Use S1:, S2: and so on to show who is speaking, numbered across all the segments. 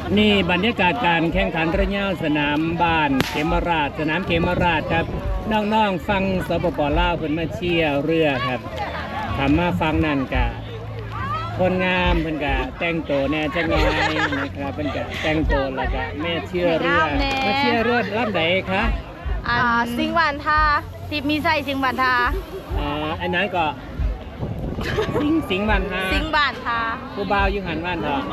S1: นี่บรรยากาศการแข่งขันระยะสนามบ้านเขมราชสนามเขมราชครับน้องๆฟังสปปลาวเพิ่นมาเชียร์เรือครับทำมาฟังนั่นกะคนงามเพิ่นกะแต่งตัวแน่จังไงนะครับเพิ่นกะแต่งตัวแล้วก็แม่เชียร์เรือมาเชียร์เรือลำใดคะ
S2: สิงหวานทาทิพมีไส้สิงหวานทา
S1: อันนั้นก็สิงห์บ้านทา
S2: สิงหวานทา
S1: ผู้บ่าวอยู่หันบ้านทา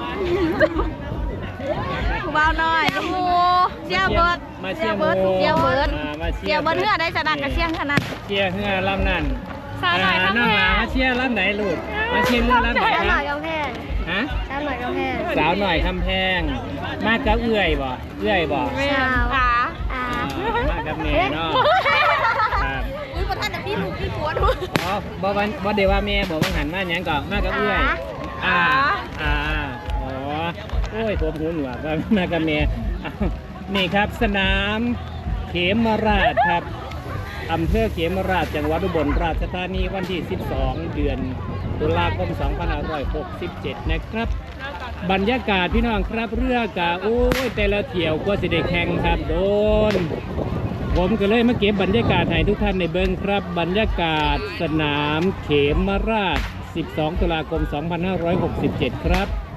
S2: ผู้บ่าวน้อยลูกหมูเชียร์เบิร์ด
S1: มาเชียร์หมู
S2: เชียร์เบิร์ด
S1: มาเชี
S2: เชี
S1: ย
S2: ย
S1: ร์
S2: ร์เบิร์ดเพื่อได้ชนะกับเชียงขนาด
S1: เชียร์เฮือลำนั่น
S2: สาวหน่อย
S1: น้องหลามาเชียร์ลำไหนลูกมาเชียร์เรือลำไหน
S2: สาวหน่
S1: คะ
S2: อยกำแพง
S1: ฮะ
S2: สาวหน่อยกำแพง
S1: สาวหน่อยคำแพงมากับเอื้อยบ่เอื้อยบ่
S2: สาว
S1: มากับเมย์เนาะครับ
S2: อุ้ยประธานแต่พี่ลูกพี่ผัวดู
S1: อ๋อบ่เดี๋ยวว่าแม่บอกว่าหันมาหยังก่อนมากับเอื้อยอ๋อโอ้ยผมหูหนวกว่ามากับแม่อ้าวนี่ครับสนามเขมราชครับอำเภอเขมราชจังหวัดอุบลราชธานีวันที่ 12 เดือนตุลาคม 2567 นะครับ บรรยากาศพี่น้องครับเรือกะโอ้ยแต่ละเที่ยวกว่าสิได้แข่งครับโดนผมก็เลยมาเก็บบรรยากาศให้ทุกท่านในเบิ้งครับ บรรยากาศสนามเขมราช 12 ตุลาคม 2567 ครับ